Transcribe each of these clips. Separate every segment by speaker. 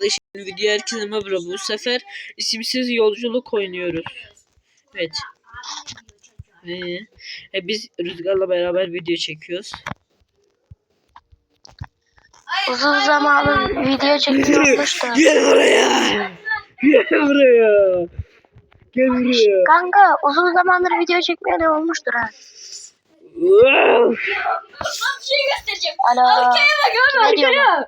Speaker 1: Video herkese merhaba. Bu sefer isimsiz yolculuk oynuyoruz. Evet. Biz Rüzgar'la beraber video çekiyoruz.
Speaker 2: Uzun zamandır video çekmiyormuş da.
Speaker 1: Gel buraya. Gel buraya. Gel buraya.
Speaker 2: Kanka uzun zamandır video çekmeye de olmuştur ha.
Speaker 1: Wow.
Speaker 3: Bir şey göstereceğim.
Speaker 2: Alo.
Speaker 3: Arkaya bak abi, arkaya.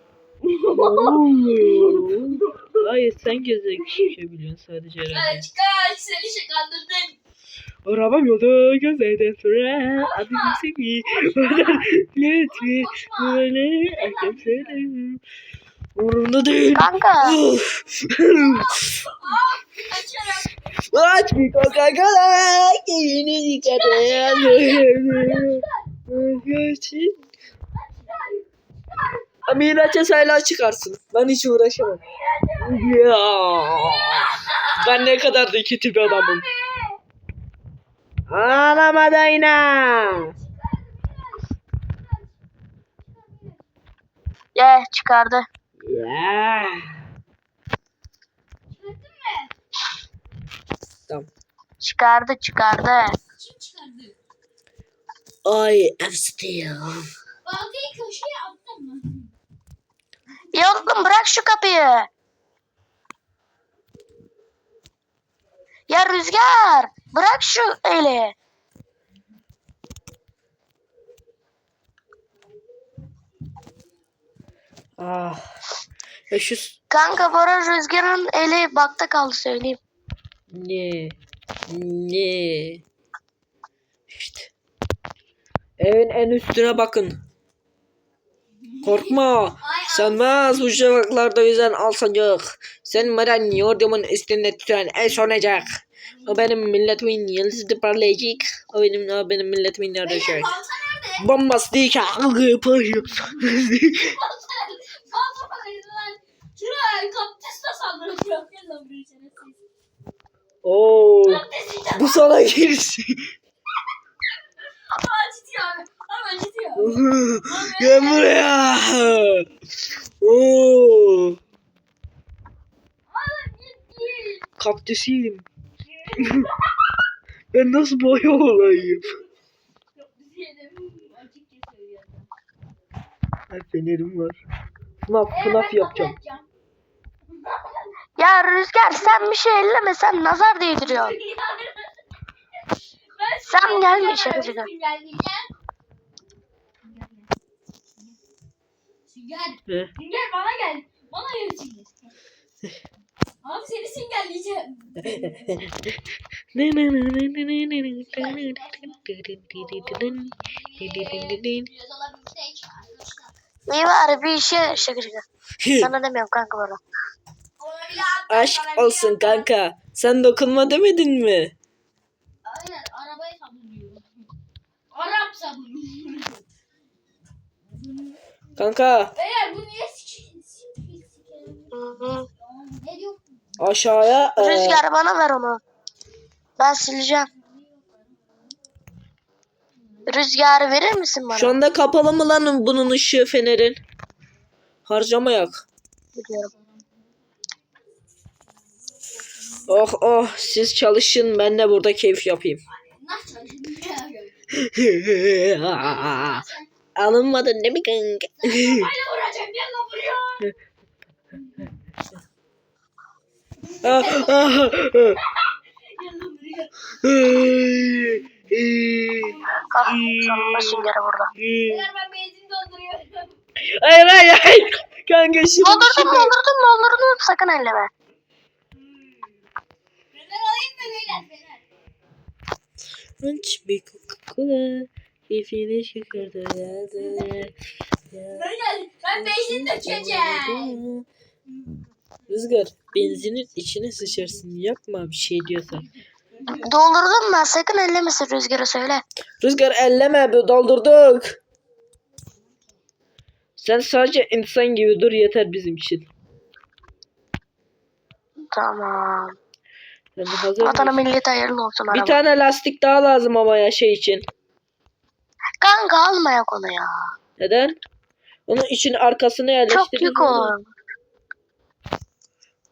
Speaker 1: Hayır, sen gezebiliyorsun sadece herhalde.
Speaker 3: Kaç seni şey kandırdın.
Speaker 1: Arabam yolda gözlerden sonra adım seni lütfi böyle erken söylerim. Umurumda değil.
Speaker 2: Kanka.
Speaker 3: Kaçarım.
Speaker 1: Aç bir Coca-Cola yeni yıkadım. Miraç'a sayılar çıkarsın. Ben hiç uğraşamam. Ya. Ben ne kadar da kötü bir adamım. Ağlama Dayna.
Speaker 2: Ya çıkardı.
Speaker 1: Ya. Tamam.
Speaker 2: Çıkardı.
Speaker 3: Kim çıkardı?
Speaker 1: I am still.
Speaker 3: Baltayı köşeye attın mı?
Speaker 2: Ya oğlum bırak şu kapıyı. Ya Rüzgar bırak şu eli.
Speaker 1: Ah. Ya şu
Speaker 2: Kanka Bora Rüzgar'ın eli bakta kaldı söyleyeyim.
Speaker 1: ne? Ne? İşte. Evin en üstüne bakın. Korkma. Sönmez bu şafaklarda yüzen al sancak. Sen maden yurdumun üstünde tüten el sonacak. O benim milletimin yıldızı parlayacak. O benim milletimin yarayacak.
Speaker 3: Balta nerede?
Speaker 1: Bombastik.
Speaker 3: Balta nerede lan? Şuraya kaktüs de saldırıyor. Gel lan buraya şerefsiz.
Speaker 1: Oo.
Speaker 3: Kaktüs de.
Speaker 1: Bu sana girişi.
Speaker 3: Acıtıyor abi. Hemen acıtıyor.
Speaker 1: Gel buraya. Oo.
Speaker 3: Abi git.
Speaker 1: Kaktüsüyüm. Ben nasıl boya olayım?
Speaker 3: Bizi yedim. Acık kesiyor ya.
Speaker 1: Fenerim var. FNAF yapacağım.
Speaker 2: Ya Rüzgar sen bir şey elleme sen nazar değdiriyorsun. Sen gelme içeri Rüzgar.
Speaker 3: Sünger bana gel. Bana gel Sünger. Abi seni süngelleyeceğim.
Speaker 2: İyi var bir işe şaka. Sana demiyorum kanka Bora.
Speaker 1: Aşk olsun kanka. Sen dokunma demedin mi?
Speaker 3: Aynen arabayı sabunluyor. Arap sabunluyor.
Speaker 1: Kanka
Speaker 3: Eğer bu niye ne diyor?
Speaker 1: aşağıya
Speaker 2: Rüzgar bana ver onu. Ben sileceğim. Rüzgarı verir misin bana?
Speaker 1: şu anda kapalı mı lan bunun ışığı fenerin? Harcamayak.
Speaker 2: Biliyorum.
Speaker 1: Oh oh siz çalışın ben de burada keyif yapayım.
Speaker 3: Nasıl çalışıyorsun?
Speaker 1: Alınmadın değil mi kanka?
Speaker 3: Böyle vuracağım gel lan buraya. Gel lan buraya.
Speaker 2: Ah sonunda süngeri burada.
Speaker 3: Eğer ben benzin dolduruyorum.
Speaker 1: Hayır hayır hayır. Kanka şimdi.
Speaker 2: Doldurdum sakın elleme.
Speaker 3: Fener alayım mı beyler fener?
Speaker 1: Aç bir Coca-Cola. Keyfini çıkardı ya.
Speaker 3: Beyler ben benzin dökeceğim.
Speaker 1: Rüzgar benzinin içine sıçarsın yapma bir şey diyorsan.
Speaker 2: Doldurdum ben sakın ellemesin Rüzgar'a söyle.
Speaker 1: Rüzgar elleme doldurduk. Sen sadece insan gibi dur yeter bizim için.
Speaker 2: Tamam.
Speaker 1: Sen de hazır
Speaker 2: Vatana
Speaker 1: mısın?
Speaker 2: millete hayırlı olsun
Speaker 1: Bir
Speaker 2: araba.
Speaker 1: tane lastik daha lazım ama ya şey için.
Speaker 2: Kanka almayak onu ya.
Speaker 1: Neden? Onun için arkasına
Speaker 2: Çok
Speaker 1: yerleştiririz.
Speaker 2: yük o.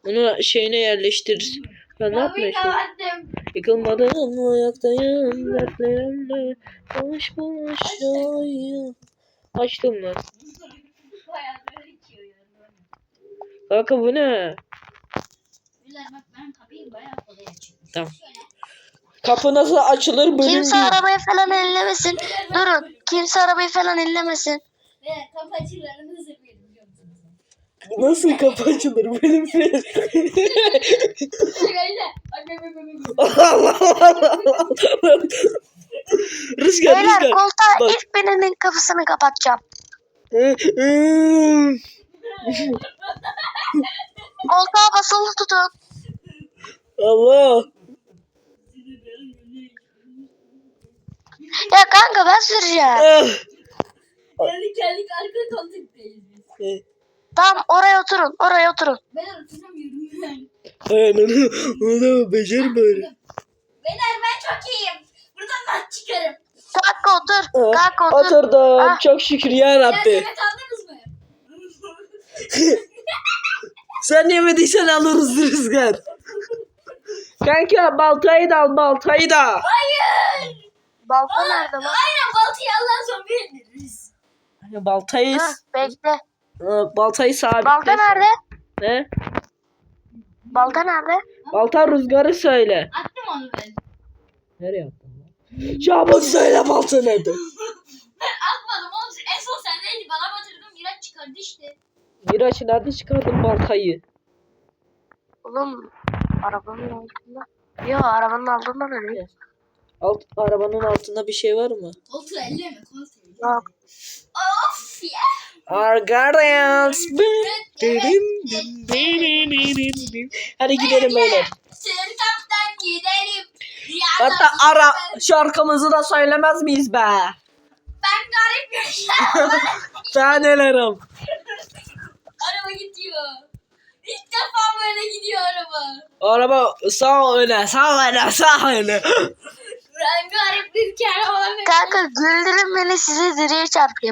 Speaker 1: Onu şeyine yerleştir. Ben ne
Speaker 3: Kapıyı
Speaker 1: yapmıştım?
Speaker 3: kapattım.
Speaker 1: Yıkılmadan ayaktayım dertlerimle. Boş boş oyun. Açtım lan.
Speaker 3: Bayağı böyle içiyor yani.
Speaker 1: Kanka bu ne?
Speaker 3: Güzel bak ben kapıyı bayağı kolay açıyorum.
Speaker 1: Tamam.
Speaker 3: Şöyle.
Speaker 1: Kapı nasıl açılır bölüm
Speaker 2: Kimse
Speaker 1: değil.
Speaker 2: arabayı falan ellemesin. Durun. Kimse arabayı falan ellemesin.
Speaker 3: Ve kapı açılarını zırhlayalım biliyor musunuz?
Speaker 1: Nasıl kapı açılır bölüm değil.
Speaker 3: Arkadaşlar. Bak.
Speaker 1: Allah Allah. Rüzgar
Speaker 2: Beyler
Speaker 1: rüzgar.
Speaker 2: koltuğa
Speaker 1: Bak.
Speaker 2: ilk birinin kapısını kapatacağım. Koltuğa basılı tutun.
Speaker 1: Allah.
Speaker 2: Ya kanka ben süreceğim.
Speaker 1: Ah.
Speaker 3: Geldik arka koltuktayız biz.
Speaker 2: Tamam oraya oturun. Oraya oturun.
Speaker 3: Ben oturamıyorum ben.
Speaker 1: Aynen. Onu becer böyle.
Speaker 3: Beyler ben çok iyiyim. Buradan ben çıkarım.
Speaker 2: Kanka otur. Kanka otur.
Speaker 1: Oturdum.
Speaker 2: Ah.
Speaker 1: Çok şükür ya
Speaker 3: Ya
Speaker 1: Rabbi.
Speaker 3: yemek aldınız mı?
Speaker 1: Sen yemediysen alırız Rüzgar. Kanka baltayı da al baltayı da.
Speaker 3: Hayır.
Speaker 2: Balta nerede lan?
Speaker 3: Aynen baltayı Allah'ın zombi indiririz.
Speaker 1: Hani baltayı
Speaker 2: Hah, bekle.
Speaker 1: baltayı sabitle.
Speaker 2: Balta nerede?
Speaker 1: Ne?
Speaker 2: Balta nerede?
Speaker 1: Balta Rüzgar'ı söyle.
Speaker 3: Attım onu ben.
Speaker 1: Nereye attın lan? Çabuk söyle balta nerede?
Speaker 3: Ben atmadım oğlum. En son sendeydi. Bana batırdın. Miraç çıkardı işte.
Speaker 1: Miraç nerede çıkardın baltayı?
Speaker 2: Oğlum arabanın altında. Yok arabanın altında da değil.
Speaker 1: Arabanın altında bir şey var mı?
Speaker 3: Koltuğu elleme. Koltuğu elleme.
Speaker 2: Yok.
Speaker 3: Of ya.
Speaker 1: Our guardians. Hadi gidelim beyler.
Speaker 3: Sırtaptan gidelim.
Speaker 1: Hatta ara şarkımızı da söylemez miyiz be?
Speaker 3: Ben garip bir şey.
Speaker 1: Tanelerim.
Speaker 3: Araba gidiyor. İlk defa böyle gidiyor araba.
Speaker 1: Araba sağ öne, sağ öne, sağ öne.
Speaker 3: Ben garip bir kere
Speaker 2: Kanka güldürün beni size direğe çarpayım.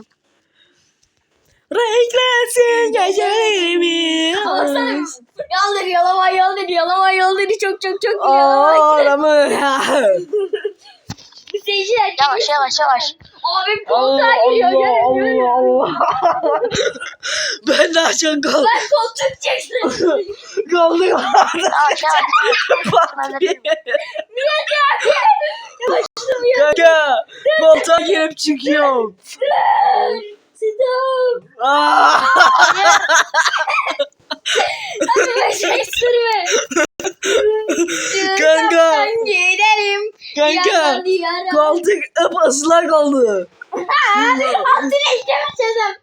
Speaker 1: Renklensin gecelerimi.
Speaker 3: Baksana. Yol dedi yalama yol dedi yalama yol dedi çok
Speaker 1: Adamı.
Speaker 3: Seyirciler
Speaker 2: Yavaş yavaş yavaş.
Speaker 3: abim
Speaker 1: Allah
Speaker 3: koltuğa giriyor.
Speaker 1: Allah
Speaker 3: Görün, görün.
Speaker 1: Allah Allah. Ben daha çok kaldım.
Speaker 3: Ben koltuk çektim.
Speaker 1: Kaldım.
Speaker 2: Yavaş yavaş.
Speaker 3: Miraç abi. Yavaşladım ya.
Speaker 1: Kanka koltuğa girip çıkıyorum.
Speaker 3: Stop.
Speaker 1: Aa!
Speaker 3: Abi ben şey sürme.
Speaker 1: Kanka.
Speaker 3: Sırtaptan gidelim.
Speaker 1: Kanka
Speaker 3: Yalan diyara.
Speaker 1: koltuk ıslak oldu.
Speaker 3: Altına işlemesem.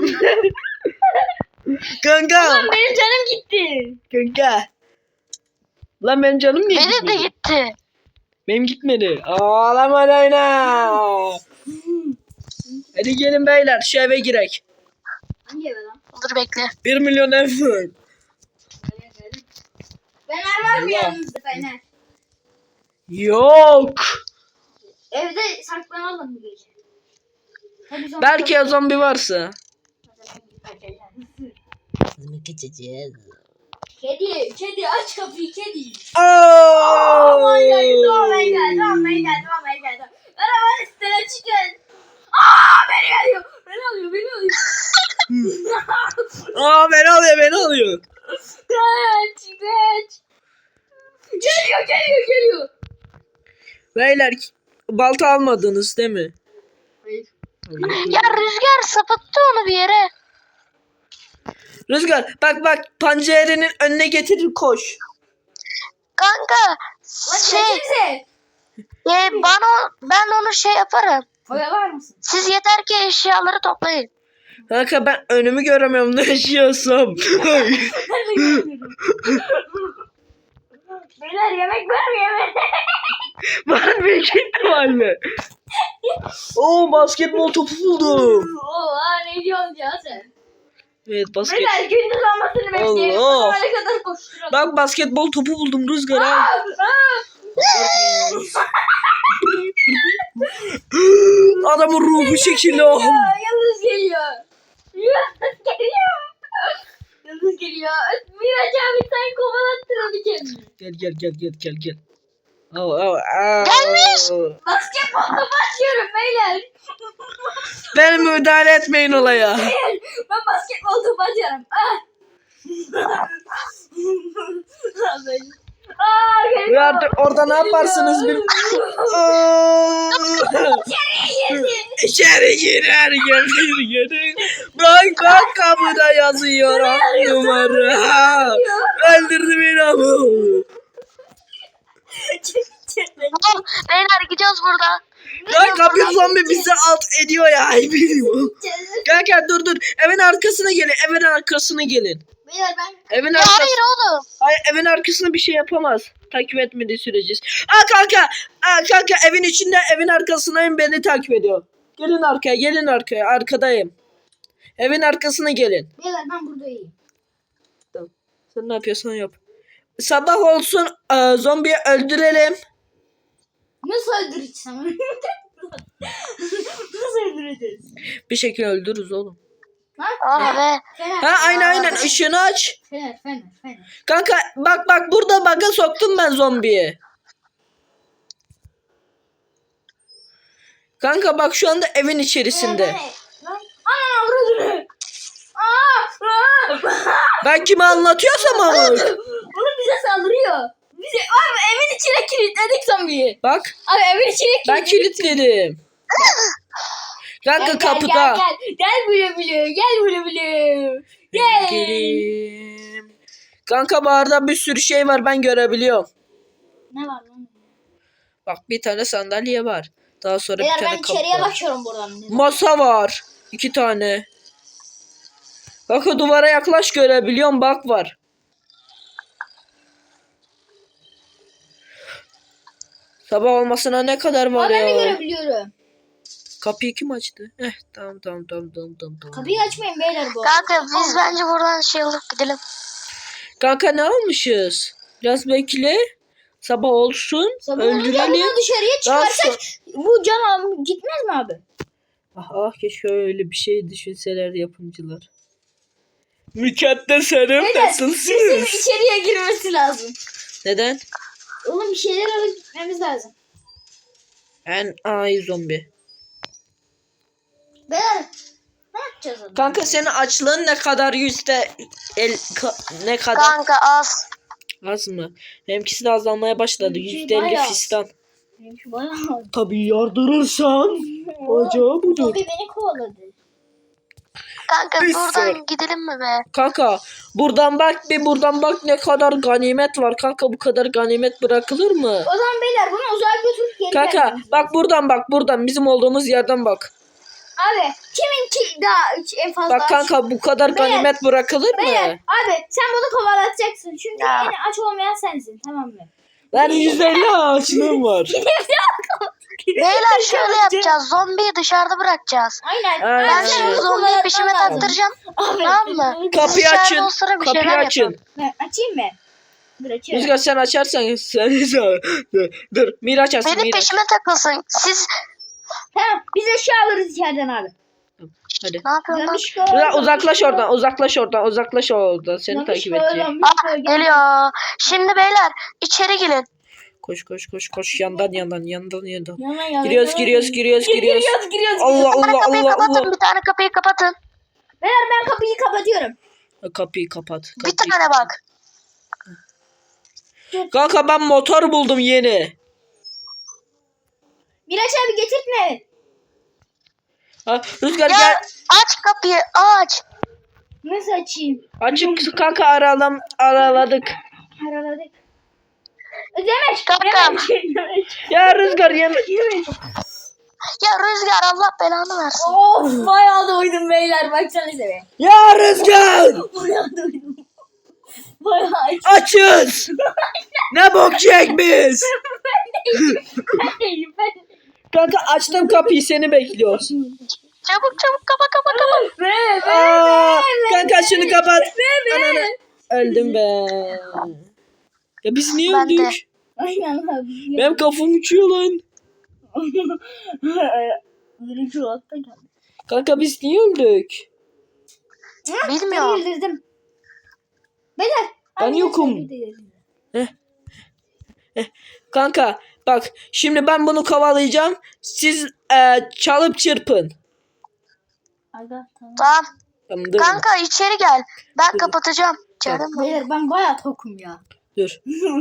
Speaker 1: Kanka.
Speaker 3: Lan benim canım gitti.
Speaker 1: Kanka. Lan benim canım niye
Speaker 2: Benim de
Speaker 1: gitmedi?
Speaker 2: gitti.
Speaker 1: Benim gitmedi. Ağlama oyna. Hadi gelin beyler şu eve girek.
Speaker 3: Hangi eve lan?
Speaker 2: Dur bekle.
Speaker 1: 1 milyon ev var.
Speaker 3: Fener var mı
Speaker 1: Allah.
Speaker 3: yanınızda Fener?
Speaker 1: Yok.
Speaker 3: Evde saklanalım bir gece. Hadi zombi
Speaker 1: Belki
Speaker 3: yok.
Speaker 1: zombi varsa.
Speaker 3: Kedi aç kapıyı kedi.
Speaker 1: Oh
Speaker 3: Aman geldi geldi. Arabanın üstüne çıkın. Beni alıyor.
Speaker 1: Beni alıyor beni alıyor.
Speaker 3: Kaç. Geliyor.
Speaker 1: Beyler balta almadınız değil mi?
Speaker 3: Hayır.
Speaker 2: Ya Rüzgar sapattı onu bir yere.
Speaker 1: Rüzgar bak pancerenin önüne getirir koş.
Speaker 2: Kanka şey ben onu şey yaparım.
Speaker 3: Oyalar mısın?
Speaker 2: Siz yeter ki eşyaları toplayın.
Speaker 1: Kanka ben önümü göremiyorum ne yaşıyorsam.
Speaker 3: Beyler yemek var mı yemek?
Speaker 1: Ben büyük ihtimalle. Oo basketbol topu buldum.
Speaker 3: Oha ne diyorsun ya sen?
Speaker 1: Evet basket.
Speaker 3: Beyler gündüz olmasını bekleyelim.
Speaker 1: Allah.
Speaker 3: O zamana kadar koşturalım.
Speaker 1: Bak basketbol topu buldum Rüzgar ha. Adamın ruhu şekilli o.
Speaker 3: Yalnız geliyor. Yıldız geliyor. Miraç abi sen kovalattın onu kendini.
Speaker 1: Gel. Au.
Speaker 2: Gelmiş.
Speaker 3: Basketbol topu atıyorum beyler.
Speaker 1: Ben müdahale etmeyin olaya.
Speaker 3: Ben basketbol topu atıyorum. Ah.
Speaker 1: Ve artık orada ne yaparsınız bil. İçeri girer. Bak kapıda yazıyor numara. Öldürdü beni ama.
Speaker 2: Tamam, beyler gidiyoruz buradan.
Speaker 1: Kanka bir zombi bizi alt ediyor ya. Ay bilmiyorum. Kanka dur. Evin arkasına gelin.
Speaker 3: Beyler ben
Speaker 1: Evin
Speaker 2: Ya
Speaker 1: arkasına.
Speaker 2: hayır oğlum.
Speaker 1: Hayır, evin arkasına bir şey yapamaz. Takip etmediği sürece. Kanka evin arkasındayım, beni takip ediyor. Gelin arkaya arkadayım. Evin arkasına gelin.
Speaker 3: beyler ben buradayım.
Speaker 1: Tamam. Sen ne yapıyorsan yap. Sabah olsun zombiyi öldürelim.
Speaker 3: Nasıl öldüreceğim? Nasıl öldüreceğiz?
Speaker 1: Bir şekilde öldürürüz oğlum.
Speaker 2: Ah be.
Speaker 1: Aynen ışığını aç.
Speaker 3: Fener.
Speaker 1: Kanka bak burada bug'a soktum ben zombiyi. Kanka bak şu anda evin içerisinde.
Speaker 3: Ana vurdu.
Speaker 1: Ben kime anlatıyorsam ama.
Speaker 3: Oğlum bize saldırıyor. Abi evin içine kilitledik zombiyi.
Speaker 1: Bak
Speaker 3: Abi evin içine
Speaker 1: ben kilitledim. Kanka kapıda.
Speaker 3: Gel bile. Gel.
Speaker 1: Gelin. Kanka barda bir sürü şey var, ben görebiliyorum.
Speaker 3: Ne var lan?
Speaker 1: Bak bir tane sandalye var. Daha sonra bir
Speaker 3: Beyler
Speaker 1: tane
Speaker 3: ben
Speaker 1: kapı
Speaker 3: içeriye
Speaker 1: var.
Speaker 3: bakıyorum buradan.
Speaker 1: Masa var. 2 tane. Kanka duvara yaklaş, görebiliyorum, bak var. Sabah olmasına ne kadar var
Speaker 3: Aa, ben de
Speaker 1: ya.
Speaker 3: görebiliyorum.
Speaker 1: Kapıyı kim açtı? Tamam.
Speaker 3: Kapıyı açmayın beyler bu.
Speaker 2: Kanka biz bence buradan şey alıp gidelim.
Speaker 1: Kanka ne almışız? Biraz bekle. Sabah olsun.
Speaker 3: Sabah olunca
Speaker 1: öldürelim.
Speaker 3: bunu dışarıya
Speaker 1: Daha
Speaker 3: çıkarsak bu can gitmez mi abi?
Speaker 1: Keşke öyle bir şey düşünseler yapımcılar. Mükaddes hanım
Speaker 3: Beyler
Speaker 1: nasılsınız?
Speaker 3: bizim içeriye girmesi lazım.
Speaker 1: Neden?
Speaker 3: Oğlum bir şeyler alıp gitmemiz lazım.
Speaker 1: Ay zombi.
Speaker 3: Beyler ne yapacağız onu?
Speaker 1: Kanka senin açlığın ne kadar, ne kadar?
Speaker 2: Kanka az.
Speaker 1: Az mı? Benimkisi de azalmaya başladı.
Speaker 3: Benimki
Speaker 1: %50
Speaker 3: bayağı.
Speaker 1: fistan.
Speaker 3: Benimki bayağı.
Speaker 1: Tabii yardırırsan. Acaba budur.
Speaker 3: Zombi beni kovaladı.
Speaker 2: Kanka
Speaker 1: Bir
Speaker 2: buradan
Speaker 1: sor.
Speaker 2: gidelim mi be?
Speaker 1: Kanka buradan bak ne kadar ganimet var. Kanka bu kadar ganimet bırakılır mı?
Speaker 3: O zaman beyler bunu uzağa götürüp geri
Speaker 1: Kanka
Speaker 3: vermemiz
Speaker 1: bak buradan bizim olduğumuz yerden bak.
Speaker 3: Abi kimin daha en fazla
Speaker 1: Bak kanka bu kadar
Speaker 3: Beyler,
Speaker 1: ganimet bırakılır
Speaker 3: Beyler
Speaker 1: mı?
Speaker 3: abi sen bunu kovalatacaksın. Çünkü
Speaker 2: Ya.
Speaker 3: en aç olmayan sensin, tamam mı?
Speaker 1: Ben 150 açlığım var.
Speaker 2: Beyler şöyle yapacağız. Zombiyi dışarıda bırakacağız.
Speaker 3: Aynen.
Speaker 1: Aynen.
Speaker 2: Ben
Speaker 1: Evet.
Speaker 2: şimdi zombiyi peşime taktıracağım. Tamam mı?
Speaker 1: Kapıyı
Speaker 2: Dışarıda
Speaker 1: açın.
Speaker 2: o sıra bir
Speaker 1: Kapıyı
Speaker 2: şeyler
Speaker 1: açın.
Speaker 2: yapalım.
Speaker 3: Açayım mı? Dur açıyorum.
Speaker 1: Rüzgar sen açarsan dur. Miraç açsın.
Speaker 2: Benim
Speaker 1: Miraç.
Speaker 2: peşime takılsın. Siz
Speaker 3: Tamam biz eşya alırız içeriden abi.
Speaker 1: Hadi.
Speaker 2: ne yapıyorsun lan?
Speaker 1: Rüzgar uzaklaş oradan. Seni takip edeceğim.
Speaker 2: Geliyor. Şimdi beyler içeri gelin.
Speaker 1: Koş yandan.
Speaker 3: Giriyoruz.
Speaker 1: Giriyoruz. Allah
Speaker 2: Bir tane
Speaker 1: Allah
Speaker 2: kapıyı
Speaker 1: Allah
Speaker 2: kapatın.
Speaker 1: Allah.
Speaker 2: Bir tane kapıyı kapatın.
Speaker 3: Beyler ben kapıyı kapatıyorum.
Speaker 1: Kapıyı kapat.
Speaker 2: Bir tane bak.
Speaker 1: Kanka ben motor buldum yeni.
Speaker 3: Miraç abi getirtme.
Speaker 1: Rüzgar
Speaker 2: Ya
Speaker 1: gel.
Speaker 2: aç kapıyı aç.
Speaker 3: Nasıl açayım?
Speaker 1: Açık kanka araladık.
Speaker 3: Araladık. Demek.
Speaker 2: Kankam.
Speaker 1: Ya Rüzgar yeme.
Speaker 2: Ya Rüzgar Allah belanı versin.
Speaker 3: Of bayağı doydum beyler, baksanıza be.
Speaker 1: Ya Rüzgar.
Speaker 3: Bayağı doydum. Bayağı aç.
Speaker 1: Açız. Ne bok yiyek biz.
Speaker 3: Ben
Speaker 1: Kanka açtım kapıyı, seni bekliyoruz.
Speaker 2: Çabuk kapa.
Speaker 1: Kanka şunu kapat.
Speaker 3: Be.
Speaker 1: Ananı. Öldüm be. Ya biz niye
Speaker 2: Ben de.
Speaker 1: öldük?
Speaker 3: Aynen abi.
Speaker 1: Benim kafam uçuyor lan.
Speaker 3: Birinci olarak da geldi.
Speaker 1: Kanka biz niye öldük?
Speaker 2: Bilmiyorum.
Speaker 3: Ben öldürdüm. Beyler.
Speaker 1: Ben yokum. Kanka bak şimdi ben bunu kovalayacağım. Siz çalıp çırpın.
Speaker 3: Aga tamam.
Speaker 2: Tamam.
Speaker 1: Tamam dur.
Speaker 2: Kanka içeri gel. Ben
Speaker 1: Dur.
Speaker 2: kapatacağım. Canım.
Speaker 3: Beyler ben bayağı tokum ya.
Speaker 1: Dur.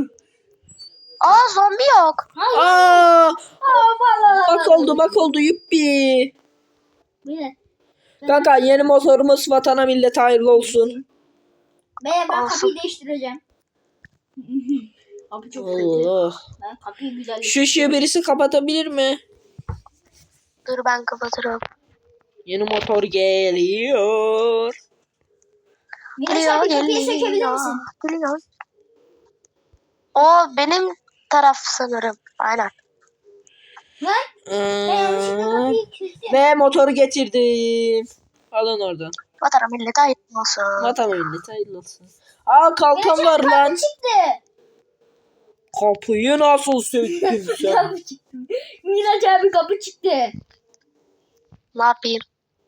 Speaker 2: Aa zombi yok.
Speaker 1: Aa,
Speaker 3: Vallahi.
Speaker 1: bak oldu yuppi.
Speaker 3: Beyler.
Speaker 1: Kanka yeni motorumuz vatana millete hayırlı olsun.
Speaker 3: Beyler ben
Speaker 2: Olsun.
Speaker 3: kapıyı değiştireceğim. Kapı çok kötü.
Speaker 1: Allah.
Speaker 3: Ben kapıyı güzel
Speaker 1: Şu ışığı birisi kapatabilir mi?
Speaker 2: Dur ben kapatırım.
Speaker 1: Yeni motor geliyor.
Speaker 3: Miraç abi kapıyı sökebilir misin?
Speaker 2: Geliyor. O benim taraf sanırım. Aynen.
Speaker 3: Lan ben yanlışlıkla kapıyı kilitledim.
Speaker 1: Ve motoru getirdim. Alın oradan.
Speaker 2: Vatana millete ait olsun.
Speaker 1: Vatana millete hayırlı olsun. Aa kalkan var lan.
Speaker 3: Kapı çıktı.
Speaker 1: Kapıyı nasıl söktün sen?
Speaker 3: Kapı çıktı. Miraç abi kapı çıktı.
Speaker 2: Ne yapayım?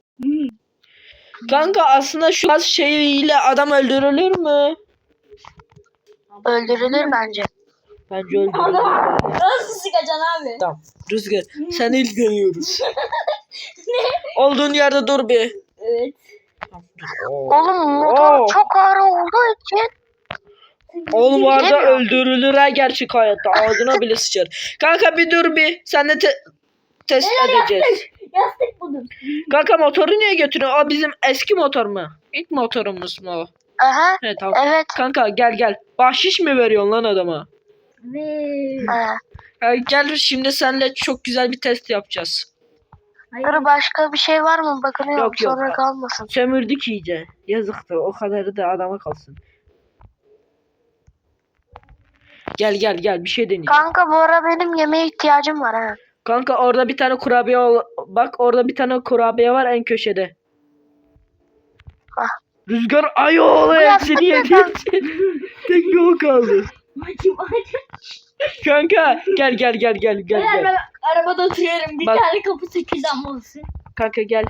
Speaker 1: Kanka aslında şu az şeyiyle adam öldürülür mü?
Speaker 2: Öldürülür bence.
Speaker 1: Bence öldürülür.
Speaker 3: Nasıl sıkacaksın abi?
Speaker 1: Tamam. Rüzgar sen ilk dönüyoruz. Olduğun yerde dur bir.
Speaker 3: Evet.
Speaker 2: Oğlum motor çok ağır olduğu için.
Speaker 1: Oğlum bu arada
Speaker 2: Bilemiyorum.
Speaker 1: öldürülür ha gerçek hayatta. Ağzına bile sıçar. Kanka bir dur bir. Sen de test edeceğiz.
Speaker 3: Yastık buldum.
Speaker 1: Kanka motoru niye götürüyorsun? O bizim eski motor mu? İlk motorumuz mu o?
Speaker 2: Aha.
Speaker 1: Evet tamam.
Speaker 2: Evet.
Speaker 1: Kanka gel. Bahşiş mi veriyorsun lan adama?
Speaker 3: Ve...
Speaker 1: Gel şimdi seninle çok güzel bir test yapacağız.
Speaker 2: Dur başka bir şey var mı? Bakınıyorum
Speaker 1: Yok, yok.
Speaker 2: sonra kalmasın.
Speaker 1: Sömürdük iyice. Yazıktır. O kadarı da adama kalsın. Gel bir şey deneyeceğim.
Speaker 2: Kanka bu ara benim yemeğe ihtiyacım var ha.
Speaker 1: Kanka orada bir tane kurabiye bak orada bir tane kurabiye var en köşede.
Speaker 2: Ah.
Speaker 1: Rüzgar ayol hepsini
Speaker 2: yaptın
Speaker 1: yedi. Tek o kaldı. Kanka gel.
Speaker 3: Beyler ben arabada oturuyorum. Bir
Speaker 1: Bak.
Speaker 3: tane kapı sekizden olsun.
Speaker 1: Kanka gel.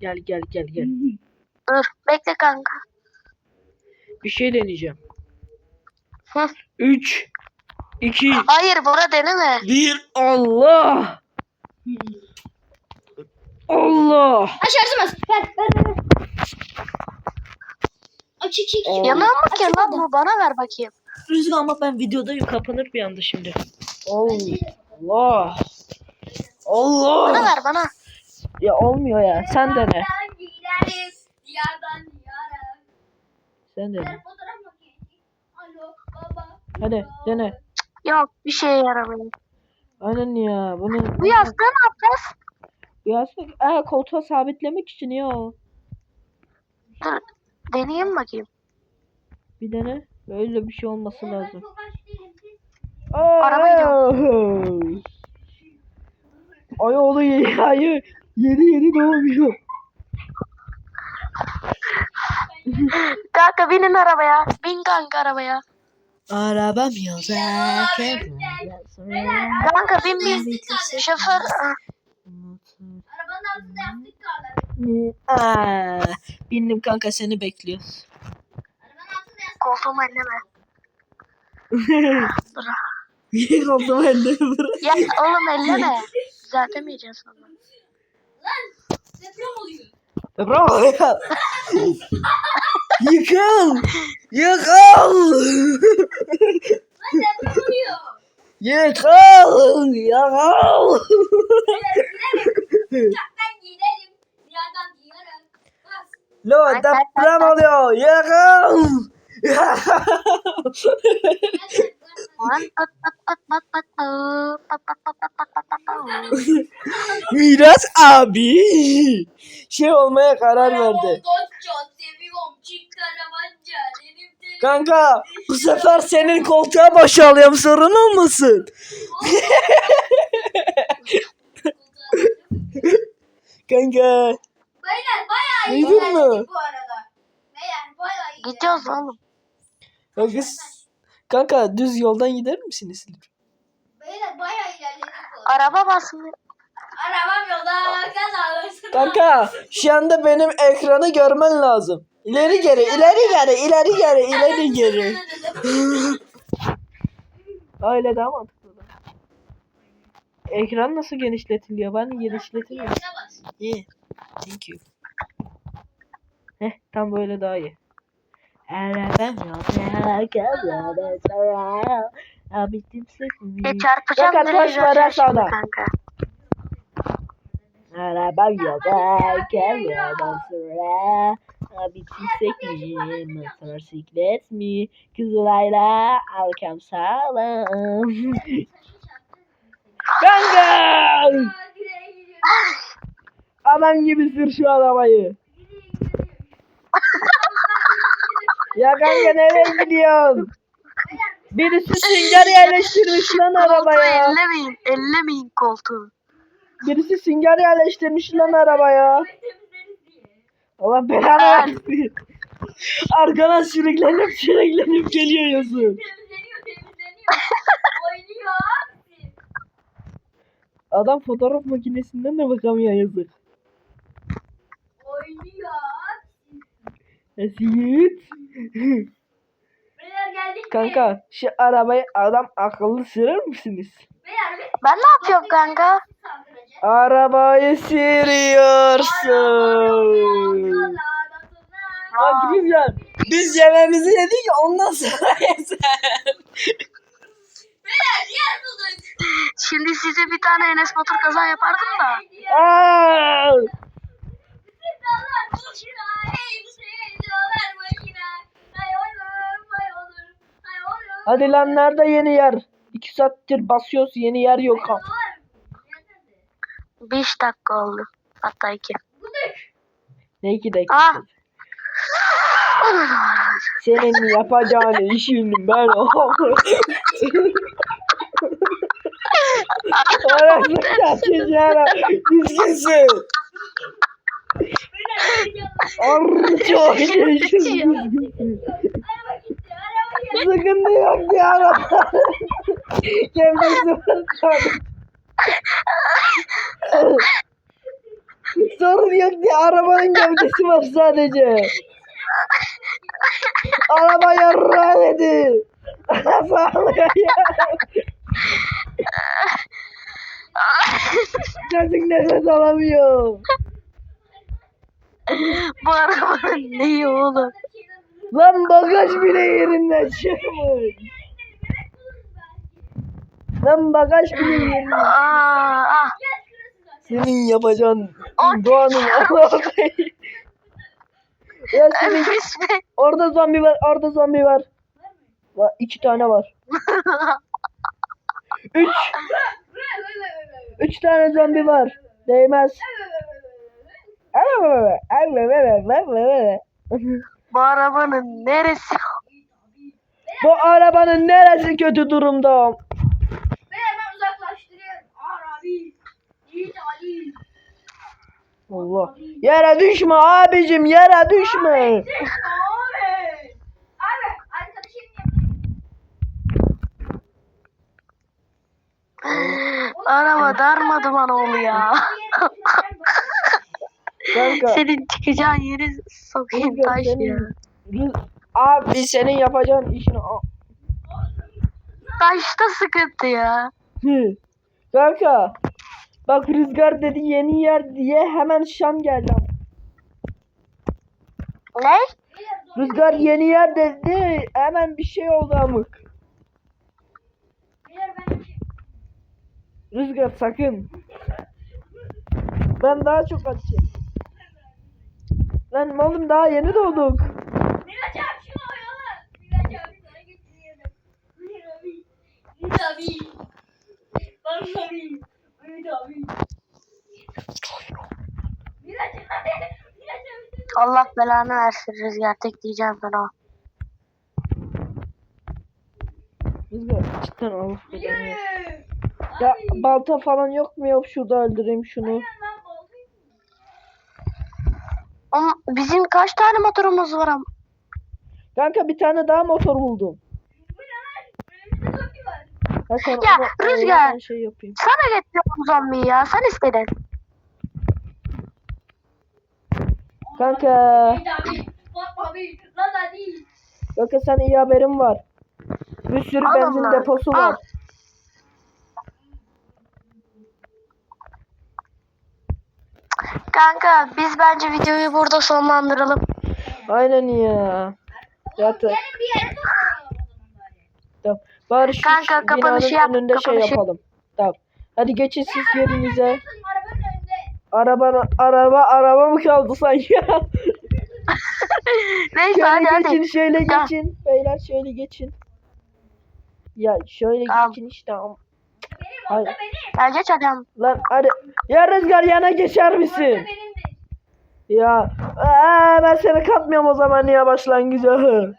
Speaker 2: Dur bekle kanka.
Speaker 1: Bir şey deneyeceğim.
Speaker 2: Hı.
Speaker 1: 3 2
Speaker 2: Hayır Bora deneme.
Speaker 1: 1 Allah. Allah.
Speaker 3: Şarjım az. Ver. Çık.
Speaker 1: Allah.
Speaker 2: Yanıyor mu ki
Speaker 3: Açık
Speaker 2: lan
Speaker 3: oldu.
Speaker 2: bu? Bana ver bakayım.
Speaker 1: Rüzgar ama ben videodayım kapanır bir anda şimdi. Allah.
Speaker 2: Bana ver bana.
Speaker 1: Ya olmuyor ya. Sen dene.
Speaker 3: Diyardan diyara.
Speaker 1: Sen dene.
Speaker 3: Fotoğraf makinesi. Alo baba.
Speaker 1: Hadi dene.
Speaker 2: Yok bir şeye yaramıyor.
Speaker 1: Aynen ya. Bunu
Speaker 2: Bu yastığı ne yapacağız?
Speaker 1: yastık koltuğa sabitlemek için ya.
Speaker 2: Dur deneyeyim bakayım.
Speaker 1: Bir dene. Böyle bir şey olması lazım.
Speaker 2: Araba
Speaker 1: Ay oğlu yeni doğmuyor.
Speaker 2: Kanka binin arabaya. Bin kanka arabaya.
Speaker 1: Arabam yolda.
Speaker 2: Kanka bin. Şoför.
Speaker 3: Arabanın altında yastık kaldı.
Speaker 1: Bindim kanka seni bekliyoruz.
Speaker 3: Arabanın altında yastık.
Speaker 2: Koltuğumu elleme.
Speaker 1: Niye kaldım elde bırak.
Speaker 2: Ya oğlum elleme. Düzeltemeyeceğiz sonra.
Speaker 3: Lan deprem oluyor.
Speaker 1: Bravo ya. Yıkıl.
Speaker 3: Lan deprem oluyor.
Speaker 1: Yıkıl.
Speaker 3: Uçaktan gidelim. Diyardan diyara. Bas.
Speaker 1: Lo deprem oluyor. Yıkıl. Miras abi şey olmaya karar verdi.
Speaker 3: Çok seviyorum. Çift karavanca.
Speaker 1: Kanka bu sefer senin koltuğa boşalıyorum sorun olmasın. Kanka.
Speaker 3: Beyler bayağı iyi
Speaker 1: Duydun
Speaker 3: ilerledik
Speaker 1: mu?
Speaker 3: bu arada. Beyler bayağı iyi
Speaker 2: Gidiyoruz oğlum.
Speaker 1: Kanka düz yoldan gider misiniz?
Speaker 3: Beyler bayağı ilerledik bu arada.
Speaker 2: Araba basmıyor.
Speaker 3: Arabam yolda kaz alırsın.
Speaker 1: Kanka şu anda benim ekranı görmen lazım. İleri geri, ileri geri, ileri geri, ileri geri. Öyle daha mantıklı. Ekran nasıl genişletiliyor? Ben genişletemiyorum. İyi. Thank you. Tam böyle daha iyi.
Speaker 2: Ya çarpacağım
Speaker 1: Fakat
Speaker 2: direkt
Speaker 1: taş var
Speaker 2: zaten şimdi
Speaker 1: aşağıda.
Speaker 2: kanka.
Speaker 1: Arabam yok, gelmeden sonra bitirsek mi, motosiklet mi, Kızılay'la arkam sağlam. Kanka! Adam gibi sür şu arabayı. Ya kanka nereye gidiyorsun? Birisi sünger yerleştirmiş lan
Speaker 2: Koltuğu
Speaker 1: arabaya.
Speaker 2: ellemeyin. Ellemeyin koltuğu.
Speaker 1: Birisi sünger yerleştirmiş lan arabaya. Allah belanı versin. Arkadan sürüklenip geliyor yazı.
Speaker 3: Temizleniyor. Oynuyor abi.
Speaker 1: Adam fotoğraf makinesinden de bakamıyor yazık.
Speaker 3: Oynuyor abi.
Speaker 1: Esit.
Speaker 3: Beyler geldik mi?
Speaker 1: Kanka şu arabayı adam akıllı sürer misiniz?
Speaker 3: Beyler biz
Speaker 2: Ben ne yapıyorum kanka?
Speaker 3: saldıracağız.
Speaker 1: Arabayı sürüyorsun. Bak güzel. Biz yemeğimizi yedik ondan sonra yeter.
Speaker 3: Beyler yer bulduk.
Speaker 2: Şimdi size bir tane Enes Batur kaza yapardım da.
Speaker 1: Aa!
Speaker 3: Sevdalar boşuna, sevdalar boşuna. Hay olur, hay olur, hay olur.
Speaker 1: Hadi lan nerede yeni yer? 2 saattir basıyoruz yeni yer yok.
Speaker 3: Hay olur.
Speaker 2: 5 dakika oldu. Hatta 2.
Speaker 3: Bulduk.
Speaker 1: Ne 2 dakika?
Speaker 2: Ah.
Speaker 1: Senin yapacağın işin ben Orası çarçacağına düzgünsün.
Speaker 3: Beyler geri geldik.
Speaker 1: Çok düzgünsün.
Speaker 3: Araba gitti, araba geldi.
Speaker 1: Sıkıntı yok ya araba. Gevdesi var sadece. Sorun yok diye arabanın gövdesi var sadece. Araba yarrağı dedi. Sağlıyor ya. Çocuk nefes alamıyor.
Speaker 2: Bu arabanın neyi oğlum?
Speaker 1: Lan bagaj bile yerinden çıkmış. Lan bagaj bile yerinden.
Speaker 2: Ah.
Speaker 1: Senin yapacağın doğanın Allah'ı. Ya senin orada zombi var, orada zombi var. Var 2 tane var. 3 tane zombi var. Değmez.
Speaker 2: Bu arabanın neresi?
Speaker 1: Bu arabanın neresi kötü durumda?
Speaker 3: Beyler ben uzaklaştırıyorum. Arabi. Yiğit Ali.
Speaker 1: Allah. Yere düşme abicim, yere düşme.
Speaker 3: Abi. Abi arkadaşım
Speaker 2: Araba darmaduman oldu ya.
Speaker 1: Kanka.
Speaker 2: Senin çıkacağın yeri sokayım
Speaker 1: Rüzgar,
Speaker 2: taş ya.
Speaker 1: Abi senin yapacağın işini
Speaker 2: Taşta sıkıntı ya.
Speaker 1: Hı. Kanka. Bak Rüzgar dedi yeni yer diye hemen Şam geldi.
Speaker 2: Ne?
Speaker 1: Rüzgar yeni yer dedi hemen bir şey oldu amık.
Speaker 3: Beyler ben
Speaker 1: Rüzgar sakın. Ben daha çok açayım. Lan oğlum daha yeni doğduk.
Speaker 3: Miraç abi şunu oyalar. Miraç abi sana getiriyorum. Miraç abi. Bana abi. Miraç abi. Miraç abi. Miraç abi.
Speaker 2: Allah belanı versin Rüzgar tek diyeceğim ben o.
Speaker 1: Rüzgar cidden Allah belanı versin. Ya balta falan yok mu, yok şurada öldüreyim şunu.
Speaker 2: Ama bizim kaç tane motorumuz var ama?
Speaker 1: Kanka bir tane daha motor buldum. Ha, sen
Speaker 2: Ya, Rüzgar.
Speaker 1: ben şey yapayım.
Speaker 2: Sana getiriyorum zombiyi ya sen istedin.
Speaker 1: Kanka.
Speaker 3: Miraç abi. Bak abi. Lan hadi.
Speaker 1: Kanka sen iyi haberim var. Bir sürü
Speaker 2: Al
Speaker 1: benzin
Speaker 2: onları,
Speaker 1: deposu
Speaker 2: al.
Speaker 1: var.
Speaker 2: Kanka biz bence videoyu burada sonlandıralım.
Speaker 1: Aynen ya. Zaten
Speaker 3: Gelin bir yere toplanalım o zaman bari.
Speaker 1: tamam. Bari şu
Speaker 2: Kanka, kapanışı
Speaker 1: binanın
Speaker 2: yap,
Speaker 1: önünde şey
Speaker 2: kapanışı.
Speaker 1: yapalım. Tamam. Hadi geçin siz yerinize.
Speaker 3: Arabanın önünde.
Speaker 1: Araba mı kaldı sanki?
Speaker 2: Neyse hadi
Speaker 1: Şöyle
Speaker 2: hadi.
Speaker 1: geçin, şöyle
Speaker 2: Tamam.
Speaker 1: geçin. Beyler şöyle geçin. Ya şöyle
Speaker 2: Tamam.
Speaker 1: geçin işte.
Speaker 3: Benim
Speaker 1: Hayır.
Speaker 3: orada benim.
Speaker 2: Ya geç adam.
Speaker 1: Lan hadi. Ya Rüzgar yana geçer misin?
Speaker 3: Orada benimdir.
Speaker 1: Ya ben seni katmıyorum o zaman ya başlangıca.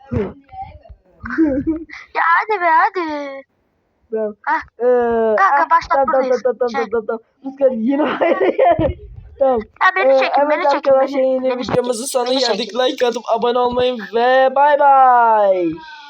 Speaker 2: Ya hadi be hadi.
Speaker 1: Tamam.
Speaker 2: Hah.
Speaker 1: Kanka
Speaker 2: başlat buradayız. Şey.
Speaker 1: Rüzgar yine aynı yer. Tamam.
Speaker 2: Ya beni çekin,
Speaker 1: Evet
Speaker 2: beni çekin.
Speaker 1: arkadaşlar
Speaker 2: Beni,
Speaker 1: yine
Speaker 2: beni çekin.
Speaker 1: videomuzun sonuna
Speaker 2: Beni çekin.
Speaker 1: geldik. Like atıp abone olmayı ve bay bay.